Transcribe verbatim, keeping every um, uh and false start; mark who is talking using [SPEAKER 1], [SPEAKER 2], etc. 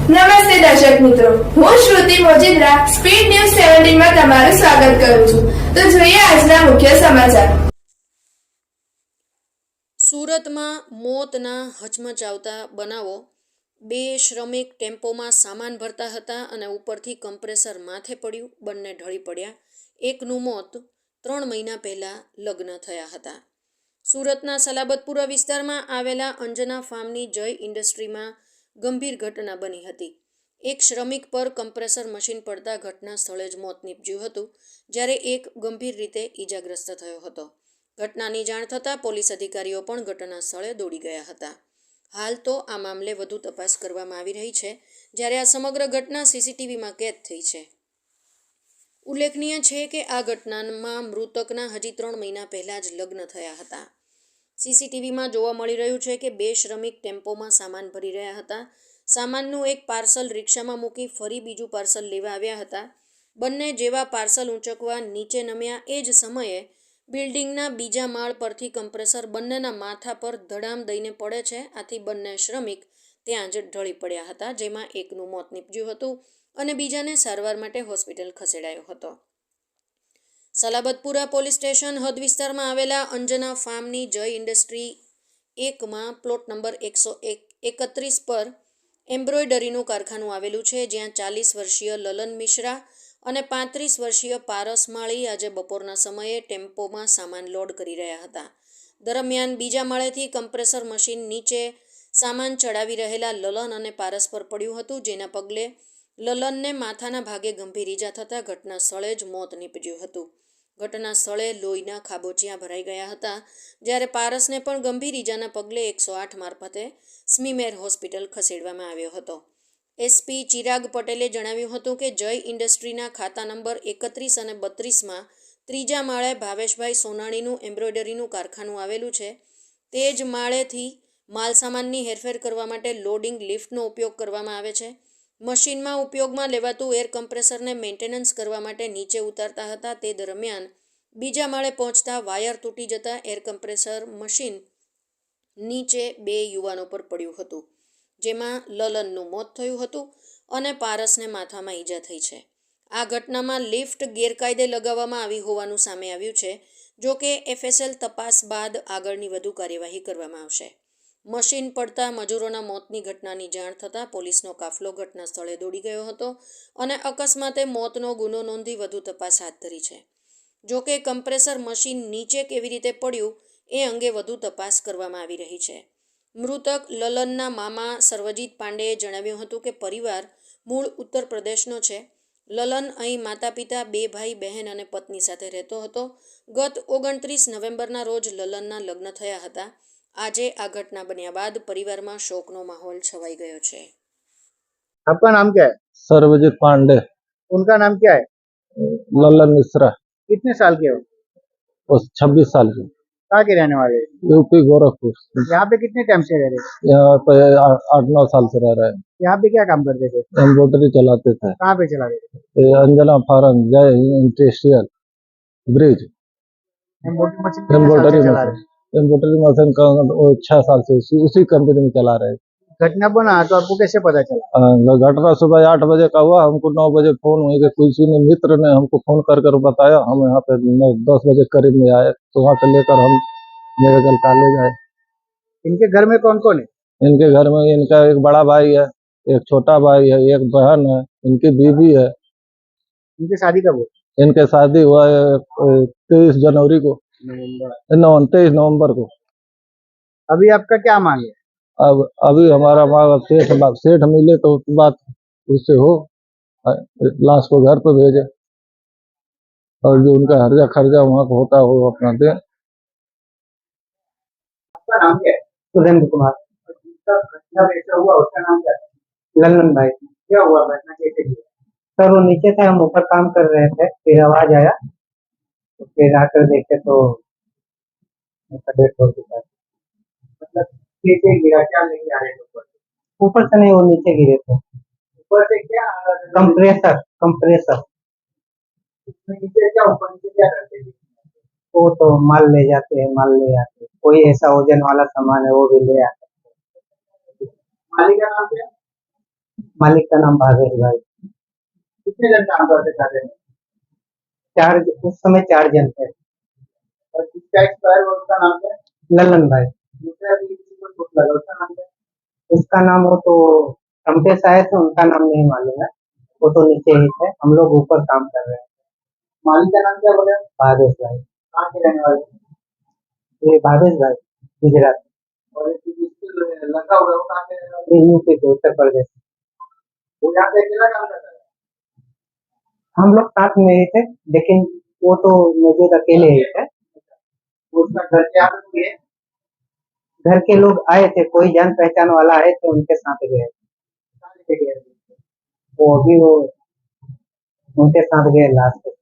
[SPEAKER 1] નમસ્તે દર્શક મિત્રો, હું શ્રુતિ મોજીદ્રા સ્પીડ ન્યૂઝ સત્તર માં તમારું સ્વાગત કરું છું. તો જોઈએ આજના મુખ્ય સમાચાર.
[SPEAKER 2] સુરતમાં મોતના હચમચાવતા બનાવો. બે શ્રમિક ટેમ્પોમાં સામાન ભરતા હતા અને ઉપરથી કમ્પ્રેસર માથે પડ્યું, બંને ઢળી પડ્યા. એકનું મોત ત્રણ મહિના પહેલા લગ્ન થયા હતા. સુરતના સલાબતપુરા વિસ્તારમાં આવેલા અંજના ફાર્મની જય ઇન્ડસ્ટ્રીમાં ગંભીર ઘટના બની હતી. એક શ્રમિક પર કમ્પ્રેસર મશીન પડતા ઘટના સ્થળે જ મોત નીપજ્યું હતું, જ્યારે એક ગંભીર રીતે ઈજાગ્રસ્ત થયો હતો. ઘટનાની જાણ થતાં પોલીસ અધિકારીઓ પણ ઘટના સ્થળે દોડી ગયા હતા. હાલ તો આ મામલે વધુ તપાસ કરવામાં આવી રહી છે, જ્યારે આ સમગ્ર ઘટના સીસીટીવીમાં કેદ થઈ છે. ઉલ્લેખનીય છે કે આ ઘટનામાં મૃતકના હજી ત્રણ મહિના પહેલાં જ લગ્ન થયા હતા. સીસીટીવીમાં જોવા મળી રહ્યું છે કે બે શ્રમિક ટેમ્પોમાં સામાન ભરી રહ્યા હતા. સામાનનું એક પાર્સલ રિક્ષામાં મૂકી ફરી બીજું પાર્સલ લેવા આવ્યા હતા. બંને જેવા પાર્સલ ઊંચકવા નીચે નમ્યા એ જ સમયે બિલ્ડિંગના બીજા માળ પરથી કમ્પ્રેસર બંનેના માથા પર ધડામ દઈને પડે છે. આથી બંને શ્રમિક ત્યાં જ ઢળી પડ્યા હતા, જેમાં એકનું મોત નીપજ્યું હતું અને બીજાને સારવાર માટે હોસ્પિટલ ખસેડાયો હતો. સલાબતપુરા પોલીસ સ્ટેશન હદ વિસ્તારમાં આવેલા અંજના ફાર્મની જય ઇન્ડસ્ટ્રી એકમાં પ્લોટ નંબર એકસો એકત્રીસ પર એમ્બ્રોઇડરીનું કારખાનું આવેલું છે, જ્યાં ચાલીસ વર્ષીય લલન મિશ્રા અને પાંત્રીસ વર્ષીય પારસ માળી આજે બપોરના સમયે ટેમ્પોમાં સામાન લોડ કરી રહ્યા હતા. દરમિયાન બીજા માળેથી કમ્પ્રેસર મશીન નીચે સામાન ચડાવી રહેલા લલન અને પારસ પર પડ્યું હતું, જેના પગલે લલનને માથાના ભાગે ગંભીર ઈજા થતાં ઘટના સ્થળે જ મોત નીપજ્યું હતું. ઘટના સ્થળે લોહીના ખાબોચિયા ભરાઈ ગયા હતા, જ્યારે પારસને પણ ગંભીર ઈજાના પગલે એકસો આઠ મારફતે સ્મીમેર હોસ્પિટલ ખસેડવામાં આવ્યો હતો. એસપી ચિરાગ પટેલે જણાવ્યું હતું કે જય ઇન્ડસ્ટ્રીના ખાતા નંબર એકત્રીસ અને બત્રીસમાં ત્રીજા માળે ભાવેશભાઈ સોનાણીનું એમ્બ્રોઇડરીનું કારખાનું આવેલું છે. તે જ માળેથી માલસામાનની હેરફેર કરવા માટે લોડિંગ લિફ્ટનો ઉપયોગ કરવામાં આવે છે. મશીનમાં ઉપયોગમાં લેવાતું એર કમ્પ્રેસરને મેન્ટેનન્સ કરવા માટે નીચે ઉતારતા હતા. તે દરમિયાન બીજા માળે પહોંચતા વાયર તૂટી જતા એર કમ્પ્રેસર મશીન નીચે બે યુવાનો પર પડ્યું હતું, જેમાં લલનનું મોત થયું હતું અને પારસને માથામાં ઈજા થઈ છે. આ ઘટનામાં લિફ્ટ ગેરકાયદે લગાવવામાં આવી હોવાનું સામે આવ્યું છે. જો કે એફએસએલ તપાસ બાદ આગળની વધુ કાર્યવાહી કરવામાં આવશે. મશીન પડતા મજૂરોના મોતની ઘટનાની જાણ થતાં પોલીસનો કાફલો ઘટના સ્થળે દોડી ગયો હતો અને અકસ્માતે મોતનો ગુનો નોંધી વધુ તપાસ હાથ ધરી છે. જો કે કમ્પ્રેસર મશીન નીચે કેવી રીતે પડ્યું એ અંગે વધુ તપાસ કરવામાં આવી રહી છે. મૃતક લલનના મામા સર્વજીત પાંડેએ જણાવ્યું હતું કે પરિવાર મૂળ ઉત્તર પ્રદેશનો છે. લલન અહીં માતા પિતા, બે ભાઈ બહેન અને પત્ની સાથે રહેતો હતો. ગત ઓગણત્રીસ નવેમ્બરના રોજ લલનના લગ્ન થયા હતા. આજે આ ઘટના બન્યા બાદ પરિવારમાં શોકનો માહોલ છવાઈ ગયો છે.
[SPEAKER 3] आपका नाम क्या है?
[SPEAKER 4] सर्वजीत पांडे।
[SPEAKER 3] उनका नाम क्या है?
[SPEAKER 4] ललन मिश्रा।
[SPEAKER 3] कितने साल के हो?
[SPEAKER 4] वो छब्बीस साल के।
[SPEAKER 3] कहाँ के रहने वाले?
[SPEAKER 4] यूपी गोरखपुर।
[SPEAKER 3] यहाँ पे कितने टाइम से रह रहे?
[SPEAKER 4] यहाँ पे आठ नौ साल से रह रहे हैं।
[SPEAKER 3] यहाँ पे क्या काम करते थे?
[SPEAKER 4] एम्ब्रॉयडरी चलाते थे।
[SPEAKER 3] कहाँ पे चला गए?
[SPEAKER 4] Anjana farm Jai industrial bridge. Embroidery machine embroidery machine का छह साल से उसी कंपनी में चला रहे।
[SPEAKER 3] घटना बना तो आपको कैसे पता चला?
[SPEAKER 4] घटना सुबह आठ बजे का हुआ। हमको नौ बजे फोन हुई कि किसी ने मित्र ने हमको फोन कर कर बताया। हम यहाँ पे नौ दस बजे करीब में आए, तो वहाँ से लेकर हम मेडिकल कॉलेज आए।
[SPEAKER 3] इनके घर में कौन कौन है?
[SPEAKER 4] इनके घर में इनका एक बड़ा भाई है, एक छोटा भाई है, एक बहन है, इनकी बीवी है।
[SPEAKER 3] इनकी शादी कब हुई?
[SPEAKER 4] इनके शादी हुआ है तेईस जनवरी को, नौ तेईस नवम्बर को।
[SPEAKER 3] अभी आपका क्या मांग है?
[SPEAKER 4] अब अभी हमारा मांग सेठ सेठ मिले तो बात उससे हो, लाश को घर पे भेजे और जो उनका हर्जा खर्जा वहाँ को होता हो अपना दे।
[SPEAKER 3] आपका नाम क्या है? सुरेंद्र कुमार। घटना कैसे हुआ उसका नाम क्या है? ललन भाई। क्या हुआ घटना कैसे हुई? सर वो नीचे था, हम ऊपर काम कर रहे थे, फिर आवाज आया तो फिर आकर देखे तो डेथ हो चुका है। मतलब नीचे गिरा? क्या लेके आ रहे थे ऊपर? ऊपर से नहीं, वो नीचे गिरे थे। ऊपर से क्या? कंप्रेसर कंप्रेसर नीचे क्या? ऊपर नीचे क्या करते थे? वो तो माल ले जाते हैं, माल ले आते हैं। कोई ऐसा वजन वाला सामान है वो भी ले आते हैं। मालिक का नाम क्या? मालिक का नाम भावेश भाई।
[SPEAKER 5] कितने जन काम करते खाते में?
[SPEAKER 3] चार, उस समय चार जन थे।
[SPEAKER 5] और जिसका एक्सपायर हुआ उसका नाम क्या है?
[SPEAKER 3] ललन भाई,
[SPEAKER 5] दूसरा भी किसी को चोट लगा उसका नाम क्या है?
[SPEAKER 3] उसका नाम वो तो रमटेश आए थे, उनका नाम नहीं मालूम है, वो तो नीचे ही थे, हम लोग ऊपर काम कर रहे हैं।
[SPEAKER 5] मालिक का नाम क्या बोले?
[SPEAKER 3] भावेश भाई।
[SPEAKER 5] कहाँ के रहने वाले?
[SPEAKER 3] ये भावेश भाई गुजरात,
[SPEAKER 5] और एक जिसको लगा हुआ है वो कहाँ के रहने वाले?
[SPEAKER 3] ये यूपी के, उत्तर प्रदेश।
[SPEAKER 5] वो यहाँ पे अकेला काम करता है?
[SPEAKER 3] हम लोग साथ में ही थे, लेकिन वो तो मौजूद अकेले ही थे।
[SPEAKER 5] उसका घर के यहाँ पे है?
[SPEAKER 3] घर के लोग आए थे, कोई जान पहचान वाला आए थे, उनके साथ गए।
[SPEAKER 5] कहाँ लेके गए?
[SPEAKER 3] वो अभी वो उनके साथ गए लास्ट।